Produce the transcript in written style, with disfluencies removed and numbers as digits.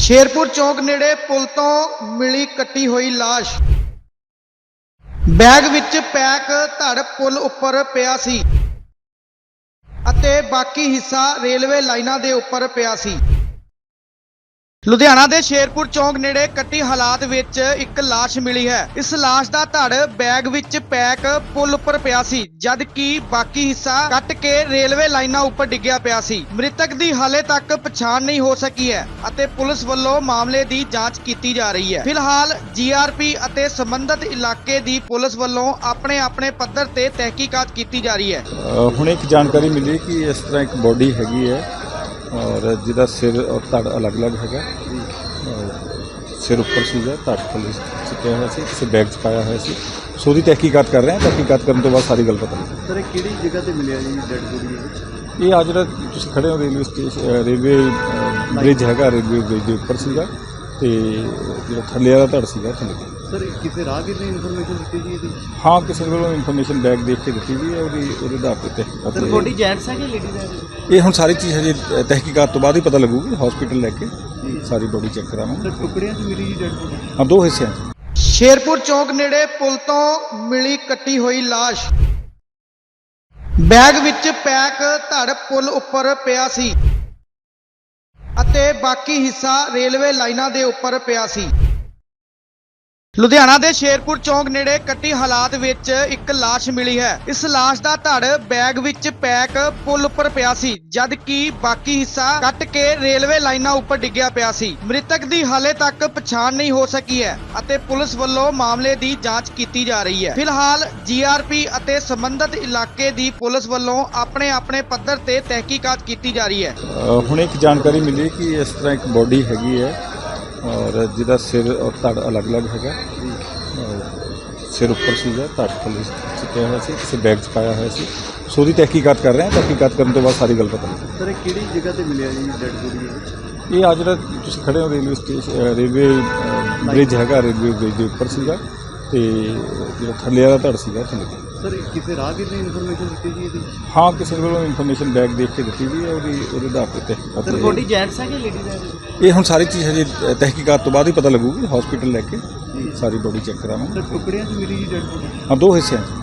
ਸ਼ੇਰਪੁਰ ਚੌਂਕ ਨੇੜੇ ਪੁਲ ਤੋਂ ਮਿਲੀ ਕੱਟੀ ਹੋਈ ਲਾਸ਼। ਬੈਗ ਵਿੱਚ ਪੈਕ ਧੜ ਪੁਲ ਉੱਪਰ ਪਿਆ ਸੀ ਅਤੇ ਬਾਕੀ ਹਿੱਸਾ ਰੇਲਵੇ ਲਾਈਨਾਂ ਦੇ ਉੱਪਰ ਪਿਆ ਸੀ। ਲੁਧਿਆਣਾ ਦੇ ਸ਼ੇਰਪੁਰ ਚੌਂਕ ਨੇੜੇ ਕੱਟੀ ਹਾਲਾਤ ਵਿੱਚ ਇੱਕ ਲਾਸ਼ ਮਿਲੀ ਹੈ। ਇਸ ਲਾਸ਼ ਦਾ ਧੜ ਬੈਗ ਵਿੱਚ ਪੈਕ ਪੁਲ ਉੱਪਰ ਪਿਆ ਸੀ, ਜਦ ਕਿ ਬਾਕੀ ਹਿੱਸਾ ਕੱਟ ਕੇ ਰੇਲਵੇ ਲਾਈਨਾਂ ਉੱਪਰ ਡਿੱਗਿਆ ਪਿਆ ਸੀ। ਮ੍ਰਿਤਕ ਦੀ ਹਾਲੇ ਤੱਕ ਪਛਾਣ ਨਹੀਂ ਹੋ ਸਕੀ ਹੈ ਅਤੇ ਪੁਲਿਸ ਵੱਲੋਂ ਮਾਮਲੇ ਦੀ ਜਾਂਚ ਕੀਤੀ ਜਾ ਰਹੀ ਹੈ। ਫਿਲਹਾਲ ਜੀਆਰਪੀ ਅਤੇ ਸੰਬੰਧਿਤ ਇਲਾਕੇ ਦੀ ਪੁਲਿਸ ਵੱਲੋਂ ਆਪਣੇ ਪੱਧਰ ਤੇ ਤਹਿਕੀਕਾਤ ਕੀਤੀ ਜਾ ਰਹੀ ਹੈ। ਹੁਣ ਇੱਕ ਜਾਣਕਾਰੀ ਮਿਲੀ ਕਿ ਇਸ ਤਰ੍ਹਾਂ ਇੱਕ ਬੋਡੀ ਹੈਗੀ ਹੈ और जिदा सिर और धड़ अलग अलग है। सिर उपर सीगा, धड़ थले चिपया हुआ सी, किसी बैग च पाया हुआ सी। सो दी तहकीकात कर रहे हैं। तहकीकात करने तो बाद सारी गल पता लगे। सर किहड़ी जगह ते मिलिया जी डेड बॉडी? ये आज तुसीं खड़े हो रेलवे स्टेशन, रेलवे ब्रिज हैगा, रेलवे ब्रिज के उपर सीगा ते जो थल्ले वाला धड़ सीगा थल्ले। सर किसी राहगीर ने इन्फॉर्मेशन दी जी ਇਹਦੀ? हाँ, किसी को इन्फॉर्मेशन बैग देख के दी जी ਉਹਦੇ ਆਧਾਰ ਤੇ ਤਹਿਕੀਕਾਤ। ਸਰ ਬੋਡੀ ਜੈਂਟਸ ਹੈ ਕਿ ਲੇਡੀਜ਼ ਹੈ? ਇਹ ਹੁਣ ਸਾਰੀ ਚੀਜ਼ ਹਜੇ ਤਹਿਕੀਕਾਤ ਤੋਂ ਬਾਅਦ ਹੀ ਪਤਾ ਲੱਗੂਗੀ। ਹਸਪੀਟਲ ਲੈ ਕੇ ਸਾਰੀ ਬੋਡੀ ਚੈੱਕ ਕਰਾਵਾਂਗੇ। ਸਰ ਟੁਕੜਿਆਂ 'ਚ ਮਿਲੀ ਜੀ ਡੈਡ ਬੋਡੀ? ਹਾਂ, ਦੋ ਹਿੱਸਿਆਂ 'ਚ। ਸ਼ੇਰਪੁਰ ਚੌਂਕ ਨੇੜੇ ਪੁਲ ਤੋਂ ਮਿਲੀ ਕੱਟੀ ਹੋਈ ਲਾਸ਼। ਬੈਗ ਵਿੱਚ ਪੈਕ ਧੜ ਪੁਲ ਉੱਪਰ ਪਿਆ ਸੀ ਅਤੇ ਬਾਕੀ ਹਿੱਸਾ ਰੇਲਵੇ ਲਾਈਨਾਂ ਦੇ ਉੱਪਰ ਪਿਆ ਸੀ। ਲੁਧਿਆਣਾ ਦੇ ਸ਼ੇਰਪੁਰ ਚੌਂਕ ਨੇੜੇ ਕੱਟੀ ਹਾਲਾਤ ਵਿੱਚ ਇੱਕ ਲਾਸ਼ ਮਿਲੀ ਹੈ। ਇਸ ਲਾਸ਼ ਦਾ ਧੜ ਬੈਗ ਵਿੱਚ ਪੈਕ ਪੁਲ ਉੱਪਰ ਪਿਆ ਸੀ, ਜਦ ਕਿ ਬਾਕੀ ਹਿੱਸਾ ਕੱਟ ਕੇ ਰੇਲਵੇ ਲਾਈਨਾਂ ਉੱਪਰ ਡਿੱਗਿਆ ਪਿਆ ਸੀ। ਮ੍ਰਿਤਕ ਦੀ ਹਾਲੇ ਤੱਕ ਪਛਾਣ ਨਹੀਂ ਹੋ ਸਕੀ ਹੈ ਅਤੇ ਪੁਲਿਸ ਵੱਲੋਂ ਮਾਮਲੇ ਦੀ ਜਾਂਚ ਕੀਤੀ ਜਾ ਰਹੀ ਹੈ। ਫਿਲਹਾਲ ਜੀਆਰਪੀ ਅਤੇ ਸੰਬੰਧਿਤ ਇਲਾਕੇ ਦੀ ਪੁਲਿਸ ਵੱਲੋਂ ਆਪਣੇ ਪੱਧਰ ਤੇ ਤਹਿਕੀਕਾਤ ਕੀਤੀ ਜਾ ਰਹੀ ਹੈ। ਹੁਣ ਇੱਕ ਜਾਣਕਾਰੀ ਮਿਲੀ ਕਿ ਇਸ ਤਰ੍ਹਾਂ ਇੱਕ ਬੋਡੀ ਹੈਗੀ ਹੈ और जिदा सिर और धड़ अलग अलग है। सिर उपर सीगा, धड़ थले चिपया हुआ सी, किसी बैग च पाया हुआ सी। सो दी तहकीकात कर रहे हैं। तहकीकात करने तो बाद सारी गल पता लगे। सर किहड़ी जगह ते मिलिया जी डेड बॉडी? ये आज तुसीं खड़े हो रेलवे स्टेशन, रेलवे ब्रिज हैगा, रेलवे ब्रिज के उपर सीगा ते जो थल्ले वाला धड़ सीगा थल्ले। सर किसी राहगीर ने इन्फॉर्मेशन दी जी ਇਹਦੀ? हाँ, किसी को इन्फॉर्मेशन बैग देख के दी जी ਉਹਦੇ ਆਧਾਰ ਤੇ ਤਹਿਕੀਕਾਤ। ਸਰ ਬੋਡੀ ਜੈਂਟਸ ਹੈ ਕਿ ਲੇਡੀਜ਼ ਹੈ? ਇਹ ਹੁਣ ਸਾਰੀ ਚੀਜ਼ ਹਜੇ ਤਹਿਕੀਕਾਤ ਤੋਂ ਬਾਅਦ ਹੀ ਪਤਾ ਲੱਗੂਗੀ। ਹਸਪੀਟਲ ਲੈ ਕੇ ਸਾਰੀ ਬੋਡੀ ਚੈੱਕ ਕਰਾਵਾਂਗੇ। ਸਰ ਟੁਕੜਿਆਂ 'ਚ ਮਿਲੀ ਜੀ ਡੈਡ ਬੋਡੀ? ਹਾਂ, ਦੋ ਹਿੱਸਿਆਂ 'ਚ।